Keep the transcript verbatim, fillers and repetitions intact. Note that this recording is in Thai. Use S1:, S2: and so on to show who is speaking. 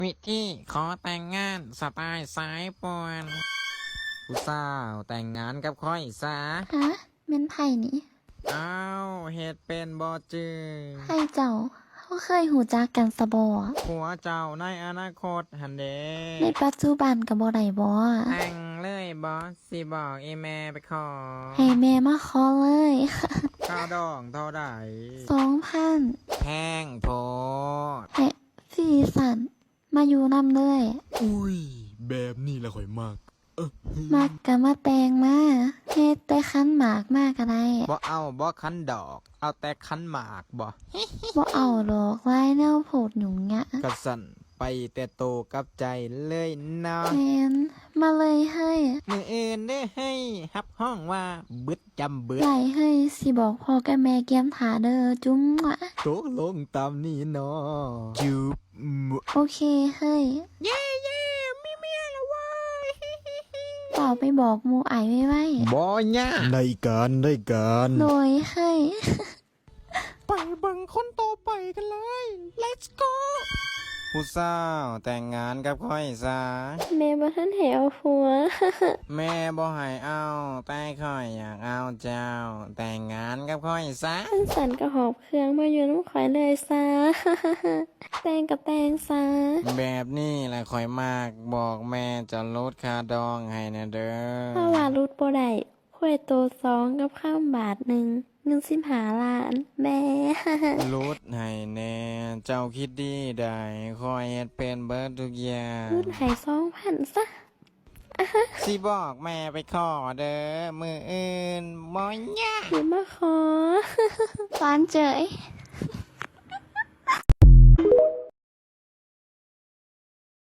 S1: วิธีขอแต่งงานสไตล์สายป่วนผู้สาวแต่งงานกับค่อยซะ
S2: ฮะเม่นไผ่นี่
S1: อ้าวเฮ็ดเป็นบ่จือ
S2: ไผ่เจ้าเขาเคยหูจักกันสะบอ
S1: ผัวเจ้าในอนาคตหันเด
S2: ในปัจจุบันกับบ่ได้บ่
S1: แต่งเลยบอสสิบอกอีแม่ไปขอ
S2: ให้แม่มาขอเลย
S1: ข้าวดองเท่าใด
S2: สองพัน
S1: แพงโพด
S2: ให้สีสันมาอยู่นำเลย
S3: อุ้ยแบบนี้ละข่อยมากเออ
S2: มักกะมาแต่งมาเฮ็ดแต่คันหมากมากก็ได้
S1: บ่เอาบ่คันดอก เอาแต่คันหมากบ่
S2: บ่เอาดอกลายแนวโพดหยุ่งยะ
S1: กระสันไปแต่โตกับใจเลยเนาะ
S2: แมนมาเลยเฮ้ย
S1: มืออื่นได้ให้ฮับห้องว่าบึดจำเบิด
S2: ไหลเฮ้ยสิบอกพ่อกับแม่เกียมถาเด้อจุ้มวะ
S1: โตลงตามนี้เนาะจูบหม
S2: โอเคเฮ้ย
S1: เย่เย่มีเมียแล้วว้าย
S2: เป่าไปบอกหมูไอไว้ไว้
S1: บ่ยะ
S3: ได้การได้การ
S2: โดยเฮ้ย
S1: ไปเบิ่งคนโตไปกันเลย let's go ผู้สาวแต่งงานกับค่อยซะ
S2: แม่บ่ทันให้เอาผัว
S1: แม่บ่ให้เอาแต่ค่อยอยากเอาเจ้า แต่งงานกับค่อยซะ
S2: ท่านสันกระหอบเครื่องมาอยู่น้ำข่อยเลยซะ แตงกับแตงซะ
S1: แบบนี้แหละค่อยมากบอกแม่จะลดค่าดองให้นะเด้อ
S2: ถ้าว่ารุดบ่ได้ข่อยโตสองกับข้ามบาทหนึ่งเงินสิบหาล้านแม่
S1: ลดให้แน่เจ้าคิดดีได้คอยเฮ็ดเป็นเบิดทุกอย่าง
S2: รุดให้สองพันซะ
S1: สิบอกแม่ไปขอเด้อมืออื่นบ่ยาก
S2: อย่ามาขอ ฟานเจย